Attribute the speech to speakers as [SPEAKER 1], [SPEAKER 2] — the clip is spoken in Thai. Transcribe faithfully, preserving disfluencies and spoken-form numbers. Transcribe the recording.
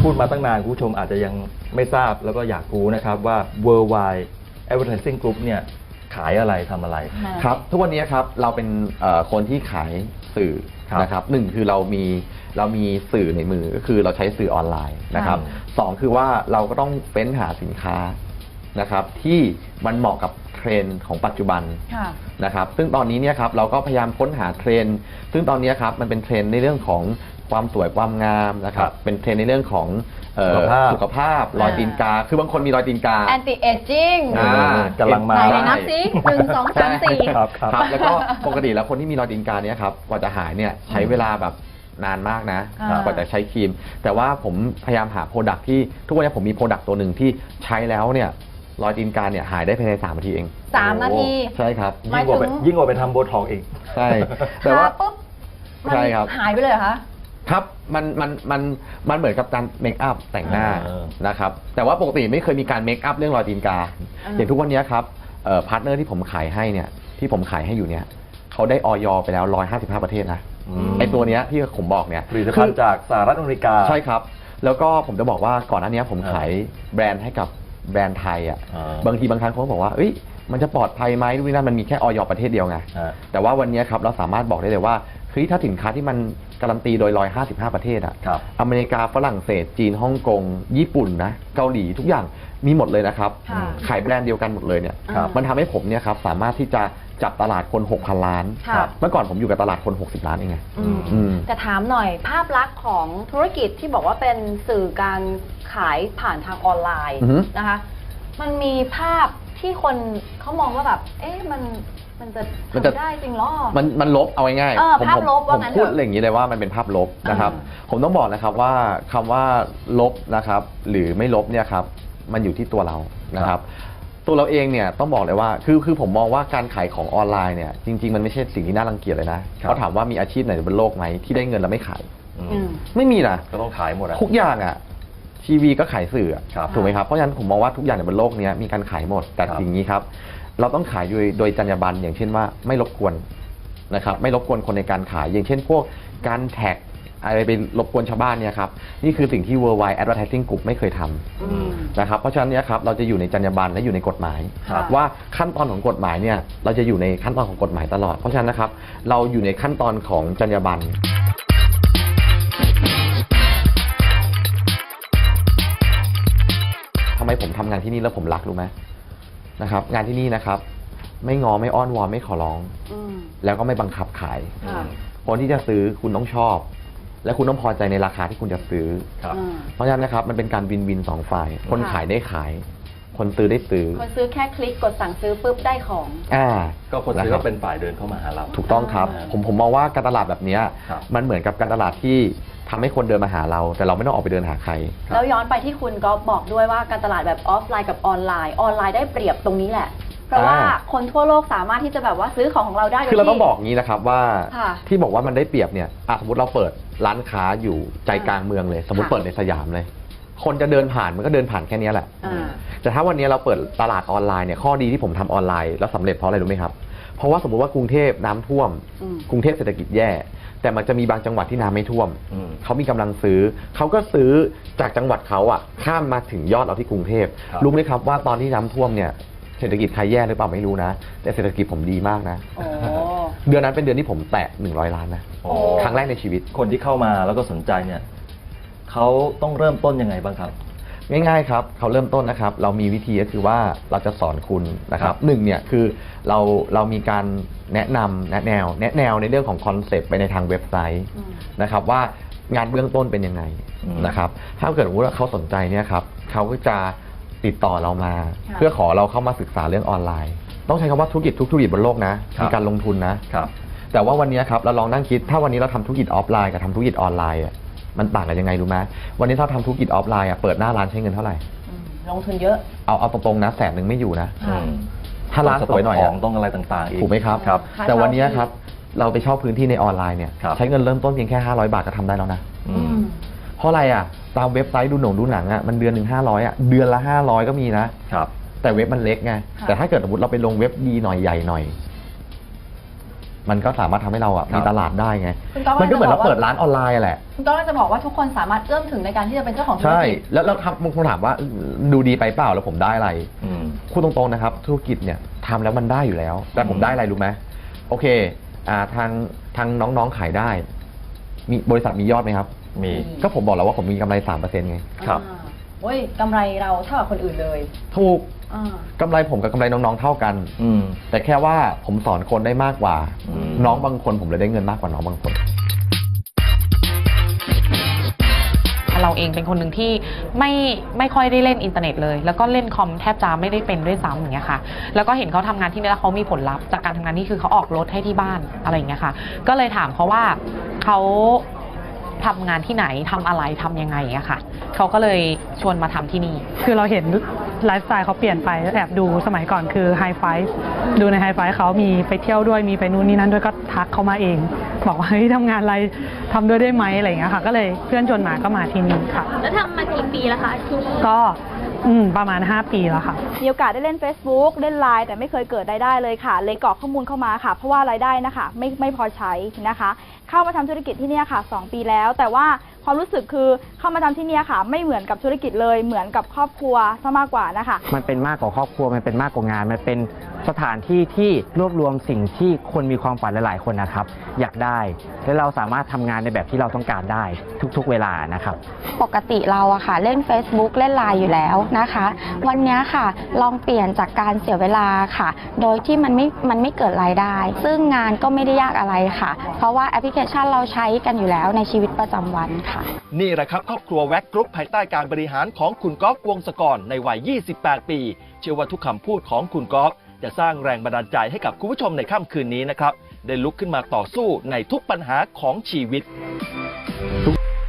[SPEAKER 1] พูดมาตั้งนานคุณผู้ชมอาจจะยังไม่ทราบแล้วก็อยากรู้นะครับว่า Worldwide Advertising Group เนี่ยขายอะไรทำอะไร
[SPEAKER 2] ครับทุกวันนี้ครับเราเป็นคนที่ขายสื่อนะครับหนึ่งคือเรามีเรามีสื่อในมือก็คือเราใช้สื่อออนไลน์นะครับสองคือว่าเราก็ต้องเฟ้นหาสินค้านะครับที่มันเหมาะกับเทรนด์ของปัจจุบันนะครับซึ่งตอนนี้เนี่ยครับเราก็พยายามค้นหาเทรนด์ซึ่งตอนนี้ครับมันเป็นเทรนด์ในเรื่องของความสวยความงามนะครับเป็นเทรนด์ในเรื่องของสุขภาพรอยตีนกาคือบางคนมีรอยตีนกา
[SPEAKER 3] anti aging
[SPEAKER 1] กำลังมา
[SPEAKER 3] ไหนนับสิหนึ่งสองสามสี่
[SPEAKER 2] ครับแล้วก็ปกติแล้วคนที่มีรอยตีนกาเนี่ยครับกว่าจะหายเนี่ยใช้เวลาแบบนานมากนะกว่าจะใช้ครีมแต่ว่าผมพยายามหาโปรดักที่ทุกวันนี้ผมมีโปรดักตัวหนึ่งที่ใช้แล้วเนี่ยรอยตีนกาเนี่ยหายได้ภายในสามนาทีเอง
[SPEAKER 3] สามนาที
[SPEAKER 2] ใช่ครับ
[SPEAKER 1] ยิ่งกว่าไปยิ่งกว่าไปทำโบท็อกซ์อีก
[SPEAKER 2] ใช่แต่ว่า
[SPEAKER 3] ปุ๊บ
[SPEAKER 2] ใช่ครับ
[SPEAKER 3] หายไปเลยเหรอคะ
[SPEAKER 2] ครับมันมันมันมันเหมือนกับการเมคอัพแต่งหน้านะครับแต่ว่าปกติไม่เคยมีการเมคอัพเรื่องรอยตีนกาอย่างทุกวันนี้ครับพาร์ทเนอร์ที่ผมขายให้เนี่ยที่ผมขายให้อยู่เนี่ยเขาได้ออยไปแล้วหนึ่งร้อยห้าสิบห้าประเทศนะไอตัวเนี้ยที่ผมบอกเนี่ย
[SPEAKER 1] ผลิตภัณฑ์จากสหรัฐอเมริกา
[SPEAKER 2] ใช่ครับแล้วก็ผมจะบอกว่าก่อนหน้านี้ผมขายแบรนด์ให้กับแบรนด์ไทยอ่ะบางทีบางครั้งเขาบอกว่าเอ้ยมันจะปลอดภัยไหมดูนี่นั่นมันมีแค่ออยประเทศเดียวไงแต่ว่าวันนี้ครับเราสามารถบอกได้เลยว่าเฮ้ยถ้าสินค้าที่มันการันตีโดยหนึ่งร้อยห้าสิบห้าประเทศอ่ะอเมริกาฝรั่งเศสจีนฮ่องกงญี่ปุ่นนะเกาหลีทุกอย่างมีหมดเลยนะครับขายแบรนด์เดียวกันหมดเลยเนี่ยมันทำให้ผมเนี่ยครับสามารถที่จะจับตลาดคน หกพัน ล้านเมื่อก่อนผมอยู่กับตลาดคนหกสิบล้านเองไง
[SPEAKER 3] แต่ถามหน่อยภาพลักษณ์ของธุรกิจที่บอกว่าเป็นสื่อการขายผ่านทางออนไลน์นะคะมันมีภาพที่คนเขามองว่าแบบเอ๊ะมันมันจะทำได้จริงหรอ
[SPEAKER 2] มันมันลบเอาง่าย
[SPEAKER 3] ๆภาพลบว่า
[SPEAKER 2] งั้นผมพูดอย่างนี้เลยว่ามันเป็นภาพลบนะครับผมต้องบอกนะครับว่าคำว่าลบนะครับหรือไม่ลบเนี่ยครับมันอยู่ที่ตัวเรานะครับตัวเราเองเนี่ยต้องบอกเลยว่าคือคือผมมองว่าการขายของออนไลน์เนี่ยจริงๆมันไม่ใช่สิ่งที่น่ารังเกียจเลยนะเขาถามว่ามีอาชีพไหนบนโลกไหมที่ได้เงินแล้วไม่ขายไม่มีนะ
[SPEAKER 1] ก็ต้องขายหมด
[SPEAKER 2] ทุกอย่างอ่ะทีวีก็ขายสื่อถูกไหมครับเพราะฉะนั้นผมมองว่าทุกอย่างในบนโลกนี้มีการขายหมดแต่สิ่งนี้ครับเราต้องขายโดยโดยจรรยาบรรณอย่างเช่นว่าไม่รบกวนนะครับไม่รบกวนคนในการขายอย่างเช่นพวกการแท็กอะไรไปรบกวนชาวบ้านเนี่ยครับนี่คือสิ่งที่ Worldwide Advertising Group ไม่เคยทำนะครับเพราะฉะนั้นเนี่ยครับเราจะอยู่ในจรรยาบรรณและอยู่ในกฎหมายว่าขั้นตอนของกฎหมายเนี่ยเราจะอยู่ในขั้นตอนของกฎหมายตลอดเพราะฉะนั้นนะครับเราอยู่ในขั้นตอนของจรรยาบรรณทำไมผมทำงานที่นี่แล้วผมรักรู้ไหมนะครับงานที่นี่นะครับไม่งอไม่อ้อนวอนไม่ขอร้องแล้วก็ไม่บังคับขายคนที่จะซื้อคุณต้องชอบและคุณต้องพอใจในราคาที่คุณจะซื้อเพราะฉะนั้นนะครับมันเป็นการวินวินสองฝ่ายคนขายได้ขายคนซื้อได้ซื้อ
[SPEAKER 3] คนซื้อแค่คลิกกดสั่งซื้อปุ๊บได้ของ
[SPEAKER 2] อ่า
[SPEAKER 1] ก็คนซื้อก็เป็นฝ่ายเดินเข้ามาหาเรา
[SPEAKER 2] ถูกต้องครับผมผมมองว่าการตลาดแบบนี้มันเหมือนกับการตลาดที่ทำให้คนเดินมาหาเราแต่เราไม่ต้องออกไปเดินหาใคร
[SPEAKER 3] แล้วย้อนไปที่คุณก็บอกด้วยว่าการตลาดแบบออฟไลน์กับออนไลน์ออนไลน์ได้เปรียบตรงนี้แหละเพราะว่าคนทั่วโลกสามารถที่จะแบบว่าซื้อของของเราได้
[SPEAKER 2] คือเราต้องบอกงี้นะครับว่าที่บอกว่ามันได้เปรียบเนี่ยสมมติเราเปิดร้านค้าอยู่ใจกลางเมืองเลยสมมติเปิดในสยามเลยคนจะเดินผ่านมันก็เดินผ่านแค่นี้แหละแต่ถ้าวันนี้เราเปิดตลาดออนไลน์เนี่ยข้อดีที่ผมทำออนไลน์แล้วสำเร็จเพราะอะไรรู้ไหมครับเพราะว่าสมมติว่ากรุงเทพน้ำท่วมกรุงเทพเศรษฐกิจแย่แต่มันจะมีบางจังหวัดที่น้ำไม่ท่วมเขามีกำลังซื้อเขาก็ซื้อจากจังหวัดเขาอ่ะข้ามมาถึงยอดเราที่กรุงเทพรู้ไหมครับว่าตอนที่น้ำท่วมเนี่ยเศรษฐกิจใครแย่หรือเปล่าไม่รู้นะแต่เศรษฐกิจผมดีมากนะเดือนนั้นเป็นเดือนที่ผมแตะหนึ่งร้อยล้านนะครั้งแรกในชีวิต
[SPEAKER 1] คนที่เข้ามาแล้วก็สนใจเนี่ยเขาต้องเริ่มต้นยังไงบ้างครับ
[SPEAKER 2] ง่ายๆครับเขาเริ่มต้นนะครับเรามีวิธีก็คือว่าเราจะสอนคุณนะครับหนึ่งเนี่ยคือเราเรามีการแนะนำแนะแนวแนะแนวในเรื่องของคอนเซปต์ไปในทางเว็บไซต์นะครับว่างานเบื้องต้นเป็นยังไงนะครับถ้าเกิดว่าเขาสนใจเนี่ยครับเขาก็จะติดต่อเรามาเพื่อขอเราเข้ามาศึกษาเรื่องออนไลน์ต้องใช้คำว่าธุรกิจทุกธุรกิจบนโลกนะมีการลงทุนนะแต่ว่าวันนี้ครับเราลองนั่งคิดถ้าวันนี้เราทำธุรกิจออฟไลน์กับทำธุรกิจออนไลน์มันต่างกันยังไงรู้ไหมวันนี้ถ้าทำธุรกิจออฟไลน์อ่ะเปิดหน้าร้านใช้เงินเท่าไหร่
[SPEAKER 3] ลงทุนเยอะ
[SPEAKER 2] เอาเอาตรงๆนะแสนหนึ่งไม่อยู่นะถ้าร้านสวยหน่อย
[SPEAKER 1] ของต้องอะไรต่างๆอีก
[SPEAKER 2] ถูกไหมครับแต่วันนี้ครับเราไปเช่าพื้นที่ในออนไลน์เนี่ยใช้เงินเริ่มต้นเพียงแค่ห้าร้อยบาทก็ทำได้แล้วนะเพราะอะไรอ่ะตามเว็บไซต์ดูหนังดูหนังอ่ะมันเดือนหนึ่งห้าร้อยอ่ะเดือนละห้าร้อยก็มีนะแต่เว็บมันเล็กไงแต่ถ้าเกิดสมมติเราไปลงเว็บดีหน่อยใหญ่หน่อยมันก็สามารถทำให้เราอ่ะ
[SPEAKER 1] ครับ
[SPEAKER 2] มีตลาดได้ไง
[SPEAKER 3] คุณก๊อฟ
[SPEAKER 2] มันก็เหมือนเรา
[SPEAKER 3] จะบอกว่า
[SPEAKER 2] เปิดร้านออนไลน์แหละ
[SPEAKER 3] คุณต้องจะบอกว่าทุกคนสามารถเอื้อมถึงในการที่จะเป็นเจ้าของธุร
[SPEAKER 2] ใช่
[SPEAKER 3] กิจ
[SPEAKER 2] แล้วเราทำบางคนถามว่าดูดีไปเปล่าแล้วผมได้อะไร
[SPEAKER 1] อืม
[SPEAKER 2] พูดตรงๆนะครับธุรกิจเนี่ยทำแล้วมันได้อยู่แล้ว แต่ผมได้อะไรรู้ไหมโอเคอ่าทางทางน้องๆขายได้มีบริษัทมียอดไหมครับ
[SPEAKER 1] มี
[SPEAKER 2] ก็ผมบอกแล้วว่าผมมีกำไร สามเปอร์เซ็นต์ ไง
[SPEAKER 1] ครับ
[SPEAKER 3] อ่าโอ้ยกำไรเราเท่ากับคนอื่นเลย
[SPEAKER 2] ถูก
[SPEAKER 3] อ่า
[SPEAKER 2] กำไรผมกับกำไรน้องๆเท่ากัน
[SPEAKER 1] อืม
[SPEAKER 2] แต่แค่ว่าผมสอนคนได้มากกว่า
[SPEAKER 1] อืม
[SPEAKER 2] น้องบางคนผมเลยได้เงินมากกว่าน้องบางคน
[SPEAKER 4] เราเองเป็นคนหนึ่งที่ไม่ไม่ค่อยได้เล่นอินเทอร์เน็ตเลย แล้วก็เล่นคอมแทบจะไม่ได้เป็นด้วยซ้ำอย่างเงี้ยค่ะแล้วก็เห็นเขาทำงานที่นี่แล้วเขามีผลลัพธ์จากการทำงานนี่คือเขาออกรถให้ที่บ้านอะไรอย่างเงี้ยค่ะก็เลยถามเขาว่าเขาทำงานที่ไหนทำอะไรทำยังไงอย่างเงี้ยค่ะเขาก็เลยชวนมาทำที่นี่
[SPEAKER 5] คือเราเห็นไลฟ์สไตล์เขาเปลี่ยนไปแอบดูสมัยก่อนคือไฮไฟว์ดูในไฮไฟว์เขามีไปเที่ยวด้วยมีไปนู่นนี่นั่นด้วยก็ทักเขามาเอง บอกว่าเฮ้ยทำงานอะไรทำด้วยได้ไหมอะไรอย่างเงี้ยค่ะก็เลยเพื่อนชวนมาก็มาที่นี่ค่ะ
[SPEAKER 6] แล้วทำมากี่ปีแล้วคะที่นี่
[SPEAKER 5] ก็อืมประมาณห้าปีแล้วค่ะ
[SPEAKER 7] มีโอกาสได้เล่น Facebook เล่น ไลน์ แต่ไม่เคยเกิดรายได้เลยค่ะ เลยกรอกข้อมูลเข้ามาค่ะ เพราะว่ารายได้นะคะไม่ไม่พอใช้นะคะ เข้ามาทำธุรกิจที่เนี่ยค่ะสองปีแล้ว แต่ว่าความรู้สึกคือเข้ามาทำที่เนี่ยค่ะ ไม่เหมือนกับธุรกิจเลยเหมือนกับครอบครัวซะมากกว่านะคะ
[SPEAKER 8] มันเป็นมากกว่าครอบครัว มันเป็นมากกว่างาน มันเป็นสถานที่ที่รวบรวมสิ่งที่คนมีความฝันหลายๆคนนะครับ อยากได้ และเราสามารถทำงานในแบบที่เราต้องการได้ทุกๆเวลานะครับ
[SPEAKER 6] ปกติเราอะค่ะเล่น Facebook เล่น ไลน์ อยู่แล้วนะคะ วันนี้ค่ะลองเปลี่ยนจากการเสียเวลาค่ะ โดยที่มันไม่มันไม่เกิดรายได้ ซึ่งงานก็ไม่ได้ยากอะไรค่ะ เพราะว่าแอปพลิเคชันเราใช้กันอยู่แล้วในชีวิตประจำวันค่ะ
[SPEAKER 9] นี่แหละครับครอบครัวแว็กกรุ๊ปภายใต้การบริหารของคุณก๊อฟวงศกรในวัย ยี่สิบแปด ปี เชื่อว่าทุกคำพูดของคุณก๊อฟจะสร้างแรงบันดาลใจให้กับคุณผู้ชมในค่ำคืนนี้นะครับได้ลุกขึ้นมาต่อสู้ในทุกปัญหาของชีวิต